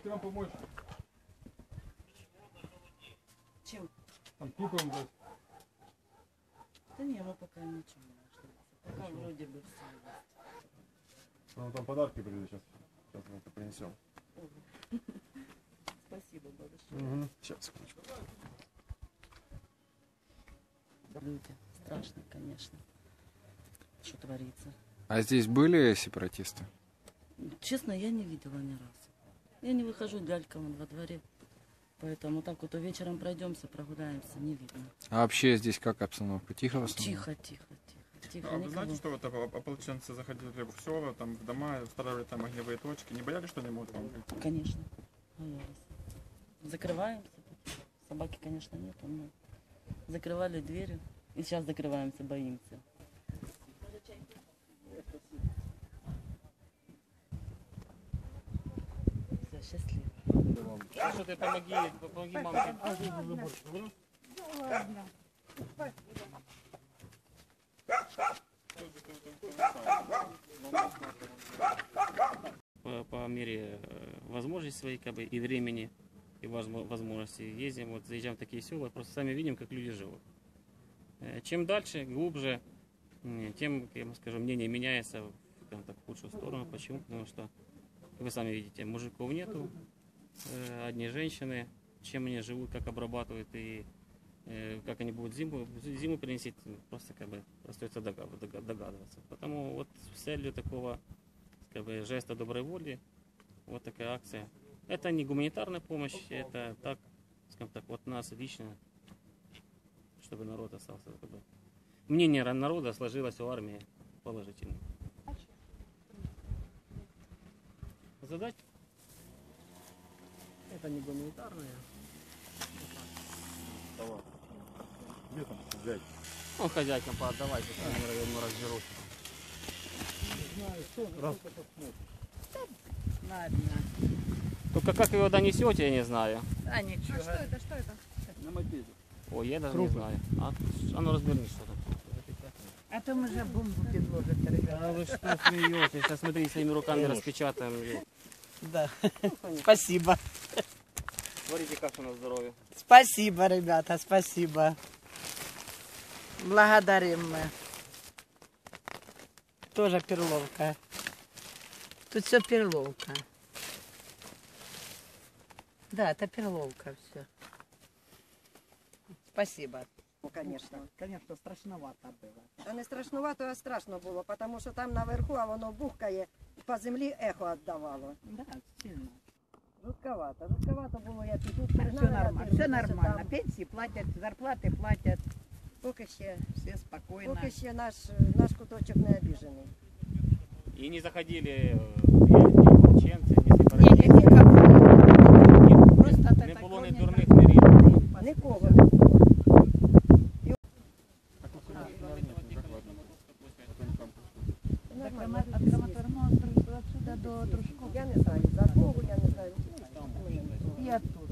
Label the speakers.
Speaker 1: Можете вам помочь?
Speaker 2: Чем?
Speaker 1: Там тупым дать.
Speaker 2: Да не, мы пока ничего не нашли. Пока вроде бы все есть.
Speaker 1: Ну там подарки придут сейчас. Сейчас мы это принесем.
Speaker 2: Спасибо большое.
Speaker 1: Угу. Сейчас, секундочку.
Speaker 2: Люди, страшно, конечно, что творится.
Speaker 3: А здесь были сепаратисты?
Speaker 2: Честно, я не видела ни разу. Я не выхожу лялька вон во дворе. Поэтому так вот вечером пройдемся, прогуляемся, не видно.
Speaker 3: А вообще здесь как обстановка? Тихо в основном?
Speaker 2: Тихо, тихо, тихо. Тихо,
Speaker 4: А вы
Speaker 2: никого.
Speaker 4: знаете, что вот ополченцы заходили в села, там в дома, устанавливали там огневые точки? Не боялись, что они могут вам прийти?
Speaker 2: Конечно, боялись. Закрываемся. Собаки, конечно, нет, но закрывали двери. И сейчас закрываемся, боимся. Все, счастливо.
Speaker 5: Что ты помоги мамке. По мере возможностей своей, как бы, и времени, и возможностей ездим, вот заезжаем в такие села, просто сами видим, как люди живут. Чем дальше, глубже, тем, я вам скажу, мнение меняется в худшую сторону. Почему? Потому что, вы сами видите, мужиков нету, одни женщины, чем они живут, как обрабатывают и как они будут зиму переносить, просто как бы остается догадываться. Потому вот с целью такого, как бы, жеста доброй воли, вот такая акция. Это не гуманитарная помощь, это так, скажем так, вот нас лично, чтобы народ остался. Как бы. Мнение народа сложилось у армии положительно. Задать? Это не гуманитарная.
Speaker 1: Давай. Где там взять?
Speaker 5: Ну, хозяйкам поотдавайте, я ему разберу.
Speaker 6: Ладно.
Speaker 5: Только как вы его донесете, я не знаю.
Speaker 6: А ничего.
Speaker 7: Что это? Что это?
Speaker 1: На мопеде.
Speaker 5: Ой, я даже не знаю. А ну разверни что-то.
Speaker 6: А то мы же бомбу подложат, ребята.
Speaker 5: А вы что смеетесь? Сейчас смотрите, своими руками распечатаем ее.
Speaker 6: Да. Спасибо.
Speaker 5: Смотрите, как у нас здоровье.
Speaker 6: Спасибо, ребята, спасибо. Благодарим мы. Тоже перловка. Тут все перловка. Да, это перловка все. Спасибо.
Speaker 8: Конечно, страшновато було. Та не страшновато, а страшно було, тому що там наверху, а воно бухкає, по землі ехо віддавало.
Speaker 6: Да, сильно.
Speaker 8: Жутковато було, як і тут
Speaker 6: Все
Speaker 8: пригнали.
Speaker 6: нормально, все нормально. Пенсии платят, зарплаты платят.
Speaker 8: Поки ще,
Speaker 6: Все спокойно.
Speaker 8: наш куточок не обіжений.
Speaker 5: И не заходили чеченцы, не сепаратисты.
Speaker 6: Никого. Просто
Speaker 5: Не було ні дурних, ні рівних.
Speaker 8: Нікого не було.
Speaker 6: От Краматорного отсюда до Дружкова.
Speaker 8: Я не знаю, за кого, я не знаю.
Speaker 6: И оттуда.